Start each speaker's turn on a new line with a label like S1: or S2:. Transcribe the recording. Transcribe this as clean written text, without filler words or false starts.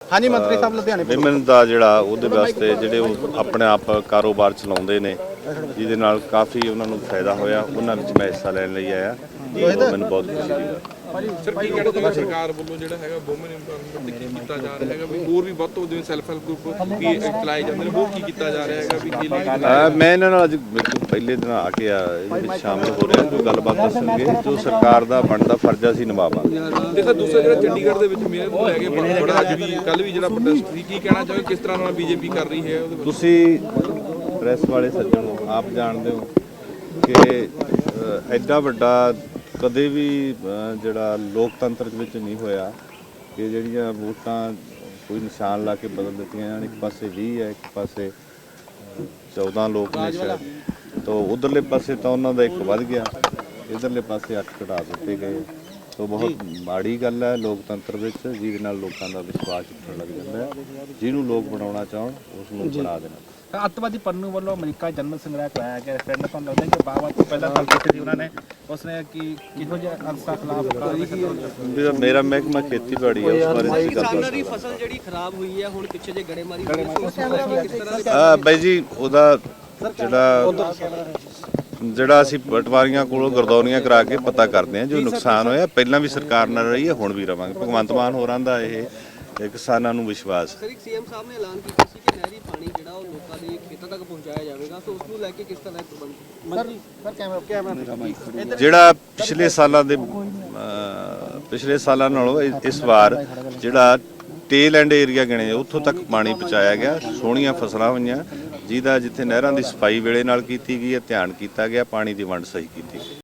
S1: हाँ जी मंत्री साहब लुधियाने
S2: ਵਿਮਨ ਦਾ ਜਿਹੜਾ ਉਹਦੇ ਵਾਸਤੇ ਜਿਹੜੇ ਉਹ ਆਪਣੇ ਆਪ ਕਾਰੋਬਾਰ ਚਲਾਉਂਦੇ ਨੇ ਜਿਹਦੇ ਨਾਲ ਕਾਫੀ ਉਹਨਾਂ ਨੂੰ ਫਾਇਦਾ ਹੋਇਆ, ਉਹਨਾਂ ਵਿੱਚ ਮੈਂ ਹਿੱਸਾ ਲੈਣ ਲਈ ਆਇਆ। ਉਹ ਮੈਨੂੰ ਬਹੁਤ ਖੁਸ਼ੀ ਦੀ ਗੱਲ।
S3: ਸਰ ਕੀ ਕਹਿਣਾ ਚਾਹੁੰਦੇ ਸਰਕਾਰ ਵੱਲੋਂ ਜਿਹੜਾ ਹੈਗਾ ਵੂਮਨ ਇੰਪਾਵਰਮੈਂਟ ਤੇ ਕੀ ਕੀਤਾ ਜਾ ਰਿਹਾ ਹੈਗਾ ਵੀ ਹੋਰ ਵੀ ਵੱਧ ਤੋਂ ਜਿਵੇਂ ਸੈਲਫ ਹੈਲਪ ਗਰੁੱਪ ਕੀ ਚਲਾਏ ਜਾਂਦੇ ਨੇ, ਹੋਰ ਕੀ ਕੀਤਾ ਜਾ ਰਿਹਾ ਹੈਗਾ ਵੀ ਕੀ
S2: ਮੈਂ ਇਹਨਾਂ ਨਾਲ ਅੱਜ ਬਿਲਕੁਲ ਪਹਿਲੇ ਦਿਨ ਆ ਕੇ ਇਹਦੇ ਵਿੱਚ ਸ਼ਾਮਲ ਹੋ ਰਿਹਾ, ਜੋ ਗੱਲਬਾਤ ਦੱਸਣਗੇ, ਜੋ ਸਰਕਾਰ ਦਾ ਬਣਦਾ ਫਰਜ਼ ਅਸੀਂ ਨਿਭਾਵਾਂਗੇ।
S3: ਤੇ ਸਰ ਦੂਸਰਾ ਜਿਹੜਾ ਚੰਡੀਗੜ੍ਹ ਦੇ ਵਿੱਚ ਮੇਅਰ ਨੂੰ ਲੈ ਕੇ ਬੜਾ ਅੱਜ ਵੀ ਕੱਲ ਵੀ ਜਿਹੜਾ ਪ੍ਰੋਟੈਸਟ ਸੀ, ਕੀ ਕਹਿਣਾ ਚਾਹੋਗੇ ਕਿਸ ਤਰ੍ਹਾਂ ਨਾਲ ਬੀਜੇਪੀ ਕਰ ਰਹੀ ਹੈ ਉਹਦੇ ਵਿੱਚ?
S2: ਤੁਸੀਂ ਪ੍ਰੈਸ ਵਾਲੇ ਸੱਜਣ ਆਪ ਜਾਣਦੇ ਹੋ ਕਿ ਐਡਾ ਵੱਡਾ ਕਦੇ ਵੀ ਜਿਹੜਾ ਲੋਕਤੰਤਰ ਵਿੱਚ ਨਹੀਂ ਹੋਇਆ ਕਿ ਜਿਹੜੀਆਂ ਵੋਟਾਂ ਕੋਈ ਨਿਸ਼ਾਨ ਲਾ ਕੇ ਬਦਲ ਦਿੱਤੀਆਂ ਜਾਣ। ਇੱਕ ਪਾਸੇ 20 ਹੈ, ਇੱਕ ਪਾਸੇ 14 ਲੋਕ ਨੇ ਸ਼ਾਇਦ, ਤਾਂ ਉਧਰਲੇ ਪਾਸੇ ਤਾਂ ਉਹਨਾਂ ਦਾ ਇੱਕ ਵੱਧ ਗਿਆ, ਇਧਰਲੇ ਪਾਸੇ 8 ਘਟਾ ਦਿੱਤੇ ਗਏ। ਤਾਂ ਬਹੁਤ ਮਾੜੀ ਗੱਲ ਹੈ ਲੋਕਤੰਤਰ ਵਿੱਚ, ਜਿਹਦੇ ਨਾਲ ਲੋਕਾਂ ਦਾ ਵਿਸ਼ਵਾਸ ਉੱਠਣ ਲੱਗ ਜਾਂਦਾ ਹੈ। ਜਿਹਨੂੰ ਲੋਕ ਬਣਾਉਣਾ ਚਾਹਣ ਉਸ ਨੂੰ ਬਣਾ ਦੇਣਾ।
S1: ਅੱਤਵਾਦੀ ਪੰਨੂ ਵੱਲੋਂ ਅਮਰੀਕਾ ਜਨਰਲ ਸੰਗ੍ਰਹਿ ਕਰਾਇਆ ਗਿਆ ਰੈਫਰੈਂਡਮ। ਤੁਹਾਨੂੰ ਲੱਗਦਾ ਕਿ ਬਾਬਾ ਤੋਂ ਪਹਿਲਾਂ ਗੱਲ ਕੀਤੀ ਸੀ ਉਹਨਾਂ ਨੇ, ਉਸਨੇ ਕਿ ਕਿਹੋ ਜਿਹੇ ਅੰਸਾ ਖਿਲਾਫ
S2: ਮੇਰਾ ਮਹਿਕਮਾ ਖੇਤੀਬਾੜੀ ਹੈ, ਉਸ ਬਾਰੇ ਅਸੀਂ
S4: ਕਿਸਾਨਾਂ ਦੀ ਫਸਲ ਜਿਹੜੀ ਖਰਾਬ ਹੋਈ ਹੈ, ਹੁਣ ਪਿੱਛੇ ਜੇ ਗੜੇਮਾਰੀ ਹੋਈ
S2: ਬਾਈ ਜੀ ਉਹਦਾ ਜਿਹੜਾ ਅਸੀਂ ਪਟਵਾਰੀਆਂ ਕੋਲੋਂ ਗਰਦੌਰੀਆਂ ਕਰਾ ਕੇ ਪਤਾ ਕਰਦੇ ਹਾਂ ਜੋ ਨੁਕਸਾਨ ਹੋਇਆ। ਪਹਿਲਾਂ ਵੀ ਸਰਕਾਰ ਨਾਲ ਰਹੀ ਹੈ, ਹੁਣ ਵੀ ਰਵਾਂਗੇ। ਭਗਵੰਤ ਮਾਨ ਹੋਰਾਂ ਦਾ ਇਹ ਕਿਸਾਨਾਂ ਨੂੰ ਵਿਸ਼ਵਾਸ।
S4: ਸਰ ਇੱਕ ਸੀਐਮ ਸਾਹਿਬ ਨੇ ਐਲਾਨ ਕੀਤਾ ਸੀ ਕਿ ਨਹਿਰੀ ਪਾਣੀ ਜਿਹੜਾ ਉਹ ਲੋਕਾਂ ਦੇ ਖੇਤਾਂ ਤੱਕ ਪਹੁੰਚਾਇਆ ਜਾਵੇਗਾ, ਸੋ ਉਸ ਨੂੰ ਲੈ ਕੇ ਕਿਸ ਤਰ੍ਹਾਂ ਦੇ ਪ੍ਰਬੰਧ?
S2: ਜਿਹੜਾ ਪਿਛਲੇ ਸਾਲਾਂ ਨਾਲੋਂ ਇਸ ਵਾਰ ਜਿਹੜਾ ਟੇਲ ਐਂਡ ਏਰੀਆ ਗਿਣੇ ਉੱਥੋਂ ਤੱਕ ਪਾਣੀ ਪਹੁੰਚਾਇਆ ਗਿਆ। ਸੋਹਣੀਆਂ ਫਸਲਾਂ ਹੋਈਆਂ, ਜਿਹਦਾ ਜਿੱਥੇ ਨਹਿਰਾਂ ਦੀ ਸਫਾਈ ਵੇਲੇ ਨਾਲ ਕੀਤੀ ਗਈ ਹੈ, ਧਿਆਨ ਕੀਤਾ ਗਿਆ, ਪਾਣੀ ਦੀ ਵੰਡ ਸਹੀ ਕੀਤੀ ਗਈ।